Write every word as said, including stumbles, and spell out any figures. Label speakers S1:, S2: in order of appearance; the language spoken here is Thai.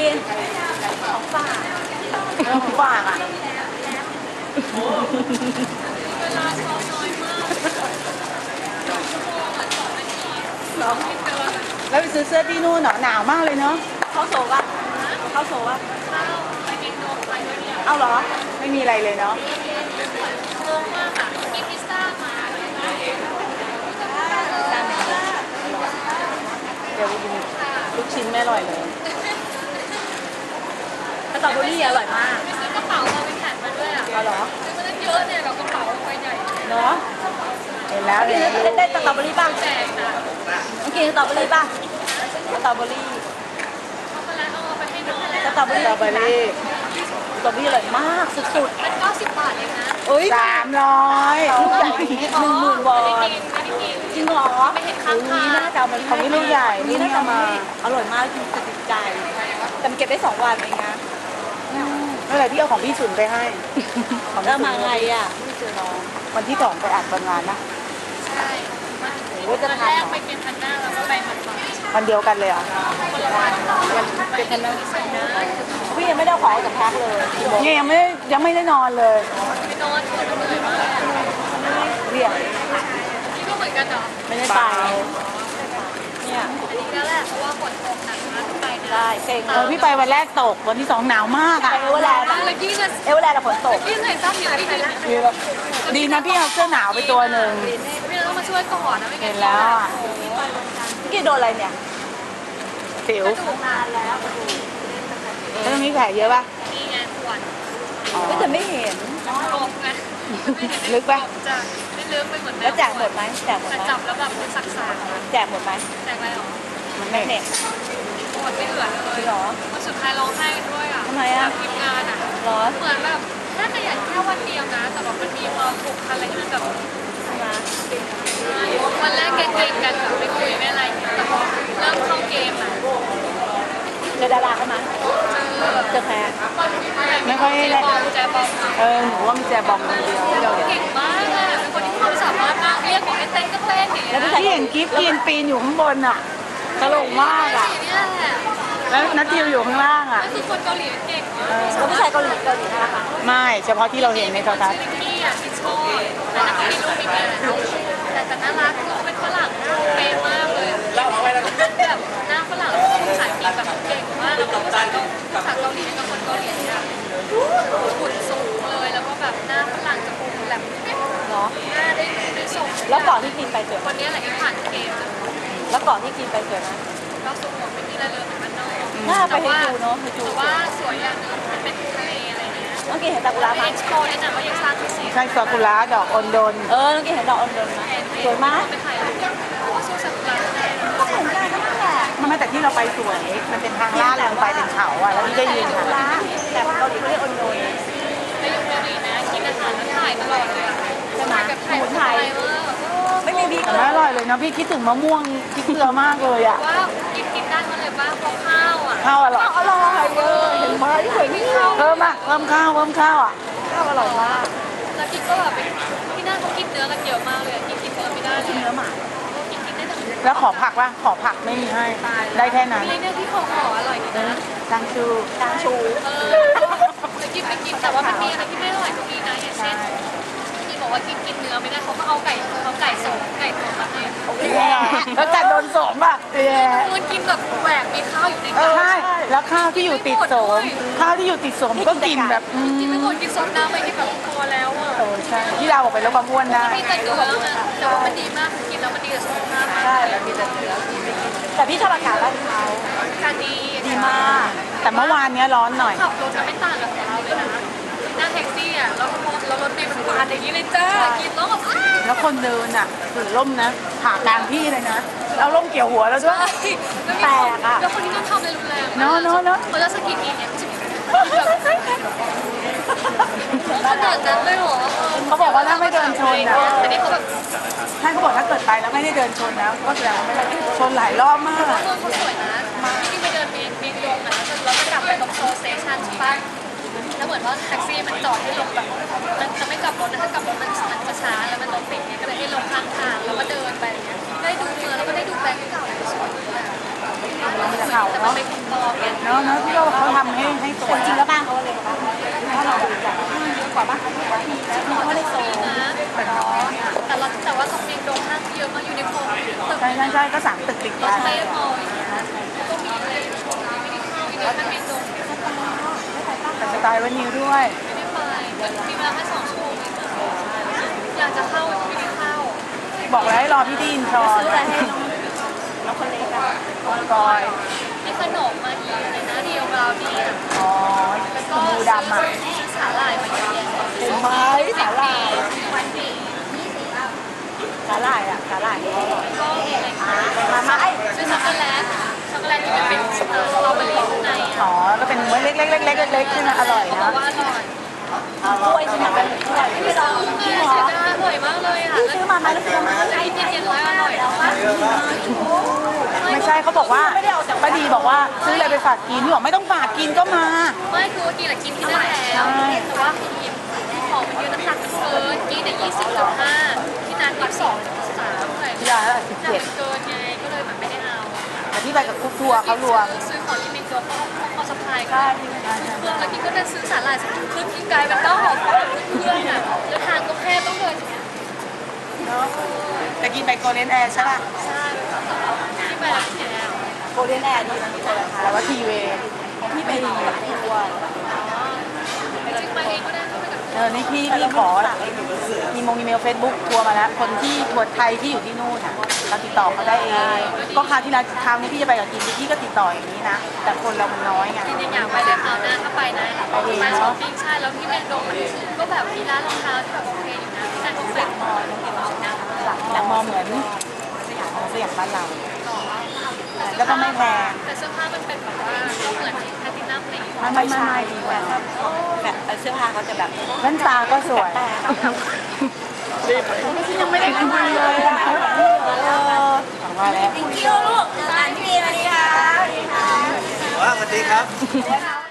S1: นของฝากของฝากอ่ะเวลาซ้อมน้อยมาก
S2: แล้วไปซื้อเสื้อที่นู่นเหรอหนาวมากเลยเนาะ
S1: เขาโซ่ป่ะเขาโซ่ป่ะเอาเหรอ
S2: ไม่มีอะไรเลยเนาะ
S1: งงมากค่ะกินพิซซ่ามา
S2: เดี๋ยวไปกินลูกชิ้นไม่อร่อยเลย
S1: สตรอเบอรี่อร่อยมากซื้อกระเป๋าเราไปแข่งมาด้วยอ่ะ
S2: เอาเหรอ
S1: ซื้อมาตั้งเยอะเนี่ยเรากระเป๋าใบใหญ่
S2: เนาะเห็นแล้วเห็น
S1: ได้ได้สตรอเบอรี่บ้าง
S2: แจ
S1: กนะเมื่อกี้สตรอเบอรี่บ้างสตรอเบอรี่สตรอเบอรี่สตรอเบอรี่สตรอเบอรี่อร่อยมากสุดๆมันเก้าสิบบาทเองนะ
S2: สามร้อยลูกใหญ่นี้
S1: หนึ่งหมื่นบาทจริงเหรอไม่เห็นข้างทาง
S2: นี่น่าจะมันของนี่ลูกใหญ่
S1: นี่
S2: น่าจะมา
S1: อร่อยมากจริงติดใจแต่มันเก็บได้สองวันเองนะ
S2: เมื่อไหร่พี่เอาของพี่สุนไปให้
S1: แล้วมาไงอ่ะไม่เจอน้อง
S2: วันที่สองไปอัดวันงานนะ
S1: ใช่วันแรกไปเป็นพันหน้าแล้วก็ไปมัน
S2: วันเดียวกันเลยอ่ะ
S1: คนละวันเป็นพันหน้าพี่ยังไม่ได้ของจากแพ็คเลย
S2: เนี่ยยังไม่ยังไม่ได้นอนเลย
S1: ไม่นอนเหนื่อยมาก
S2: เรียก
S1: นี่ก็เหมือนกันเหรอ
S2: ไม่ได้ไป
S1: เนี่ยอันนี้ก็แหละเพราะว่าฝนตกหนักมากไปได้เซ็ง
S2: เออพี่ไปวันแรกตกวันที่สองหนาวมากอ่ะ
S1: เอเวอร์แลนด์เอเวอร์แลนด์ฝนตกพี่ใส่ซ้ำอยู่ที่ไหนละ
S2: ดีนะพี่เอาเสื้อหนาวไปตัวหนึ่ง
S1: พี่ต้องมาช่วยก่อนนะไม่งั้น
S2: เห็นแล้วอ่ะ
S1: พี่โดนอะไรเนี่ย
S2: สิว
S1: ถูกนานแล้ว
S2: แล้วตรงนี้แผลเยอะป่ะ
S1: มีงานขวดก็จะไม่เห็นลงไง
S2: ลึกป่ะ
S1: จะไม่ลึกไปหมด
S2: แล้วแจกหมดไหมแจกหมดไหม
S1: จับแล้วแบบมันสักสาก
S2: แจกหมดไหม
S1: แจกอะไรหรอ
S2: มันไม่
S1: เน็ตหมดไม่เหลือเลย
S2: หรอ
S1: วันสุดท้ายร้องไห้ด้วยอ่ะ
S2: ทำไมอ่ะ
S1: ทีมงานอ่ะ
S2: ร้อน
S1: เหมือนแบบน่าจะอยากแค่วันเดียวนะแต่แบบมันมีความผูกพันอะไรที่มันแบบวันแรกเก่งๆกันแบบไม่คุยไม่อะไรแต่พอเริ่มเข้าเกมอ่ะ
S2: เจอดาราเข้ามาเจอแพ้ไม่ค่อย
S1: แจบอมแจบอม
S2: เออหนูว่ามีแจบอมคนเดียว
S1: เก่งมากอ่ะเป็นคนที่ความสามารถมากเรียกบอกให้เต้นก็เต้นอย่างเงี้ย
S2: ที่เห็นกิฟต์ยืนปีนอยู่ข้างบนอ่ะตลกมากอ่ะแล้วนัททิวอยู่ข้างล่างอ่ะ
S1: คือคนเกาหลีเก่งเขาไม่ใช่เกาหลีเกาหลีนะคะ
S2: ไม่เฉพาะที่เราเห็นในโทรทัศน์
S1: นี่อ่ะที่ชอบแต่นักมีลูกมีเมียแต่แต่น่ารักคือเป็นฝรั่งเป๊ะมากเลยแบบหน้าฝรั่งแล้วก็ภาษาอังกฤษแบบเก่งมากแล้วก็ภาษาภาษาเกาหลีกับคนเกาหลีอ่ะหุ่นสูงเลยแล้วก็แบบหน้าฝรั่งจมูกแหลมเนาะหน้าได้ได้ส่ง
S2: แล้วก่อนที่กินไปเจอ
S1: คนนี้แหละที่ผ่านเกม
S2: แล้วก่อนที่กินไปเจอนะ
S1: ก็สูงหมดไม่มีอะไรเลยเหมือนมันนอก
S2: หน้าไปให้ดูเนาะให้ดู
S1: แต่ว่าสวยอย่างนึงมันเป็นทะเลอะไรเงี้ย
S2: เมื่อกี้เห็นซากุระไหม
S1: เอ็กซ์โปเนี่ยนะว่ายังสร้างที่สี
S2: ใช่ซากุระดอกอนโดน
S1: เออเมื่อกี้เห็นดอกอนโดนไหมสวยมากไปถ่ายรูปก็สู้ซากุระก็เหมือนกันนั่นแหละ
S2: มันไม่แต่ที่เราไปสวยมันเป็นทางลาดลงไปเป็นเขาอ่ะแล้วที่ได้ยืนค่ะ
S1: แต่เกาหลีเขาเรียกอนโดนแล้วอยู่เกาหลีนะกินอาหารแล้วถ่ายตลอดเลยใช่ไหมแบบถ่ายถ่ายไม่มีพี
S2: แต่ไม่อร่อยเลยนะพี่คิดถึงมะม่วงคิดเกลือมากเลยอ่ะ
S1: ว่ากินกินได้มาเลยว่าเพราะข้าวอ่ะ
S2: ข้าวอร่อย
S1: อร่อยเออเห็นไหมที่เคยไม่ข้าว
S2: เพิ่มอ่ะเพิ่มข้าวเพิ่มข้าวอ่ะ
S1: ข้าวอร่อยมากแล้วกินก็แบบที่นั่นเขากินเนื้อกันเยอะมากเลยกินกินเนื้อไม่ได้
S2: กินเนื้อหมา
S1: กินกินได้แต่
S2: แล้วขอผักว่าขอผักไม่มีให้ได้แค่นั้น
S1: มีเนี่ยที่เขาห่ออร่อยดีนะ
S2: จางชู
S1: จางชูเออจะกินไปกินแต่ว่ามันมีอะไรที่ไม่อร่อยตรงนี้นะอย่างเช่นที่บอกว่ากินกินเนื้อไม่ได้เขาก็เอาไก่เขาไก่สมไก่ตุ๋นมาให้
S2: แล้วจัดโดนสมอ่ะ
S1: เออมันกินแบบแหวกมีข้าวอยู่ใน
S2: ข้าวใช่แล้วข้าวที่อยู่ติดสมข้าวที่อยู่ติดสมก็กินแบบ
S1: กินไม่หมดกินสมน้ำไปกินแบบพอแล้วอ่ะ
S2: โอ้ใช่ที่เราบอกไปแล้วความอ้วนได้
S1: มีแต่เนื้อนะแต่ว่ามันดีมากกินแล้วมันดีกับสุขภาพ
S2: ใช่แล้วมีแต่เนื้อแต่พี่ชอบอากาศบ้านเขา
S1: อากาศดี
S2: ดีมากแต่เมื่อวานนี้ร้อนหน่อย
S1: ขับรถจะไม่ต่างกับเราเลยนะนั่งแท็กซี่อ่ะแล้วแล้วรถเมล์มันปาดอย่างนี้เลยจ้ากินแล้วแบบ
S2: แล้วคนเดินอ่ะถือร่มนะผ่ากลางที่เลยนะเอาร่มเกี่ยวหัวแล้วด้วย
S1: แตกอ่ะแล้วคนนี้ต้องทำอะไรรุนแรง
S2: เนาะเนาะเนาะ
S1: เขาจะสกิดอีกเนี่ยขนาดนั้นเลยเหรอ
S2: เขาบอกว่าถ้าไม่เดินชนนะ
S1: อันนี้เขาแบบ
S2: ท่านเขาบอกถ้าเกิดไปแล้วไม่ได้เดินชนนะก็แสดงว่าไม่ได้ชนหลายรอบมาก
S1: เขาสวยนะที่ไปเดินมีมีลงอ่ะแล้วก็กลับไปตรงโซสเตชันใช่ปะแล้วเหมือนว่าแท็กซี่มันจอดให้ลงแบบมันจะไม่กลับรถนะถ้ากลับรถมันมันจะช้าแล้วมันรถติดเนี่ยก็เลยให้ลงข้างทางแล้วก็เดินไปได้ดูเมืองแล้วก็ได้ดูแบงค์เก่าสวยมากแต่มันไม่คุ้มตอเนี่ย
S2: เนาะเนาะที่เราเขาไม่สวย
S3: จริงแล้วบ้านเขาเลยบ้างถ้าเราดูจากเยอะกว่าบ้านเขาทีแล้วเขาไม่ได้โซน
S1: นะแต่เราแต่ว่าตรงเมงโดงห้างเยอะมากอยู่ในโพลตึก
S2: ใช่ใช่ใช่ก็สามตึกติด
S1: ร
S2: กั
S1: ถ
S2: น
S1: เต้มออย่างเงี้ยก็มีอะไรไม่ได้เข้าอีกเลยถ้าเมงโดง
S2: แต่สไตล์วันนี้ด้วย
S1: ไม่ได้ไปมีเวลาแค่สองชั่วโมงเองอยากจะเข้าไม่ได้เข้า
S2: บอกแล้วให้รอพี่ดีนชอน
S3: ซื้ออะไรให้น้องคนเล็กอะ
S2: กอย
S1: มีขนมมาอีกอะไรนะเดียวเราเนี่ย
S2: อ๋อ
S1: แล้ว
S2: ส
S1: ก็
S2: มูดำอ่ะ
S1: ซื้อสาหร่ายมาเยอะแยะ
S2: เห็นไหมสาหร่าย
S1: วันดี
S2: สาหร่ายอ่ะสาหร่ายเขาอร่อย
S1: ก็มีอะไรคะ
S2: มามาไอ้
S1: ซื้อช็อกโกแลตช็อกโกแลตที่มันเป็นสตรอเบอรี่ข้างในอ่ะ
S2: อ๋อก็เป็นเม็ดเล็กๆเล็กๆเล็กๆใช่ไหมอร่อย
S1: เขาบ
S2: นะ
S1: อกว่าอร่อย
S3: กล้วยใช่ไหมเป็นกล้วย
S1: ไม่ซื้อไงเสียดายอร่อยมากเลยอ่ะ
S3: ซื้อมาไหมแล้วซื้อมา
S1: ไอ้เย็นๆแล้วอร่อยแล้ว
S2: ไม่ใช่เขาบอกว่าป้าดีบอกว่าซื้ออะไรไปฝากกินพี่บอกไม่ต้องฝากกินก็มา
S1: ไม่คือกินแหละกินที่นั่นแล้วแต่ว่าคือของมันเยอะน้ำหนักมันเกินกินแต่ยี่สิบจุดห้าที่นานยี่สิบสองจุดสามเท่าไหร่
S2: ที่ร้านละสิบ
S1: หนัก
S2: เจ็ด
S1: มันเกินไงก็เลยแบบไม่ได้เอา
S2: แต่ที่ไปกับคุกทัวร์เขารวม
S1: ซื้อของที่เมนตัวเขาเขาสะพายก็เครื่องแล้วกินก็จะซื้อสาหร่ายสักครึ่งกินไกลเป็นต้อหอมเครื่องอ่ะแล้วทางก็แค่ต้องเดิน
S2: แต่กินไปโกลเด้นแอร์ใช่ป่ะ
S1: ใช่ที่ไปแล้วที่แล้ว
S3: โกลเด้นแอร์ดีนะพี่เจอค่ะ
S2: แต่ว่าทีเว
S3: ที่ไปทัวร์
S1: จริงไปเองก็ได้ก็ไปกับ
S2: เออนี่พี่พี่ขอมีมงอีเมลเฟซบุ๊กทัวร์มาแล้ว คนที่ทัวร์ไทยที่อยู่ที่นู่นอ่ะเราติดต่อเขาได้เองก็คราวที่แล้วคราวนี้พี่จะไปกับกินพี่ก็ติดต่ออย่างนี้นะ แต่คนเรามันน้อยไง
S1: จริงๆอยากไปเลยคราวหน้าถ้าไปนะไปช้อปปิ้งใช่แล้วที่เมนโดมันก็แบบมีร้านรองเท้าที่แบบโอเคอยู่นะที่นั่นก็แฟลตมอลล์ที่เรานะ
S2: หลังมอเหมือนสยามสยามบ้านเรา แล้วก็ไม่แพง
S1: แต่เสื้อผ้ามันเป็นแบบว่าก็เหมือนที่แพลตินัมอะไรอย่างเงี้ย
S2: ไม่ไม่ไม่ดีกว่า
S3: แบบเสื้อผ้าเขาจะแบบ
S2: แว่นตาก็สวยยังไม่ได้คุยเลยอ่ะว่าแล้ว
S3: เที่ยวลูกอ่านที่ดีมาดีค่ะ
S4: ว่าสวัสดีครับ